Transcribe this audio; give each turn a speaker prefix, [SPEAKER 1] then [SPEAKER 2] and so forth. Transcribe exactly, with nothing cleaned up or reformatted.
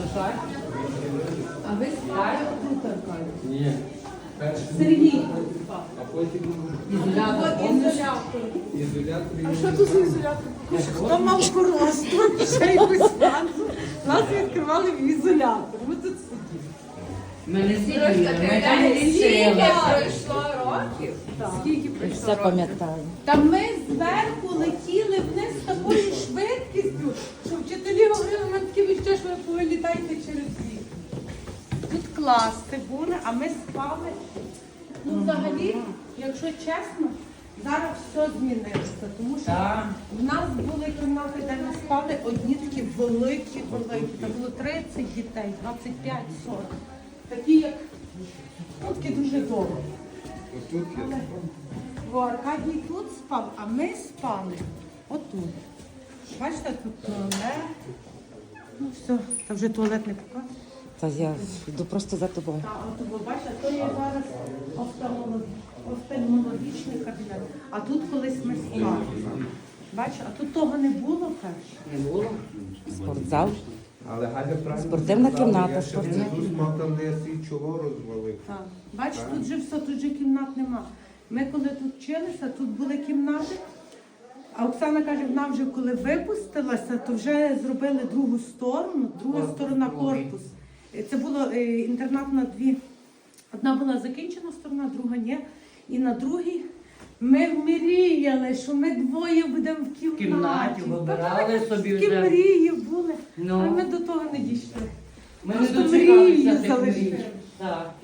[SPEAKER 1] А ви спали тут, Аркадій?
[SPEAKER 2] Ні.
[SPEAKER 1] Сергій.
[SPEAKER 2] А потім
[SPEAKER 1] Ізолятор. Ізолятор.
[SPEAKER 2] ізолятор.
[SPEAKER 1] А що тут за ізолятор?
[SPEAKER 3] Хто мав коросту, ще якусь фанзу, нас відкривали в ізолятор. Ми тут сиділи.
[SPEAKER 4] Ми не сиділи,
[SPEAKER 1] Трошки
[SPEAKER 4] ми там не
[SPEAKER 1] скільки
[SPEAKER 4] сиділи.
[SPEAKER 1] пройшло років? Скільки пройшло
[SPEAKER 5] Все
[SPEAKER 1] років?
[SPEAKER 5] пам'ятаю.
[SPEAKER 3] Та ми зверху летіли вниз з такою швидкістю, що вчителі говорили, ми такі відчуття, що ви повилітаєте через вік. Тут класи були, а ми спали. Ну, взагалі, якщо чесно, зараз все змінилося, тому що
[SPEAKER 4] Так.
[SPEAKER 3] в нас були кімнати, де ми спали, одні такі великі, великі. Там було тридцять дітей, двадцять п'ять сорок. Такі, як ну, такі дуже довго.
[SPEAKER 2] Отут є.
[SPEAKER 3] Бо Аркадій тут спав, а ми спали отут. Бачите, тут туалет. Ну все, та вже туалет не показує.
[SPEAKER 5] Та я йду просто за тобою.
[SPEAKER 3] Та, от ви бачите, то є зараз офтальмолог- офтальмологічний кабінет. А тут колись ми спали. Бачите, а тут того не було перше.
[SPEAKER 4] Не було?
[SPEAKER 5] Спортзал.
[SPEAKER 2] Але Галя правильно
[SPEAKER 5] Спортивна
[SPEAKER 2] сказала,
[SPEAKER 5] кімната,
[SPEAKER 2] Я ще
[SPEAKER 5] спортивна.
[SPEAKER 2] внизу мав там не свій чого розвалив.
[SPEAKER 3] Так. Бачите, тут же все, тут же кімнат нема. Ми коли тут вчилися, тут були кімнати. А Оксана каже, вона вже коли випустилася, то вже зробили другу сторону, друга
[SPEAKER 4] Корпус
[SPEAKER 3] сторона
[SPEAKER 4] другий.
[SPEAKER 3] корпус. Е, Це було е, інтернат на дві. Одна була закінчена сторона, друга ні. І на другій ми мріяли, що ми двоє будемо в кімнаті.
[SPEAKER 4] В кімнаті вибирали собі
[SPEAKER 3] Такі
[SPEAKER 4] вже.
[SPEAKER 3] мрії були,
[SPEAKER 4] Ну.
[SPEAKER 3] а ми до того не дійшли.
[SPEAKER 4] Ми не
[SPEAKER 3] Просто
[SPEAKER 4] дочекалися
[SPEAKER 3] мрії
[SPEAKER 4] тих
[SPEAKER 3] залишили.
[SPEAKER 4] мрій. Так.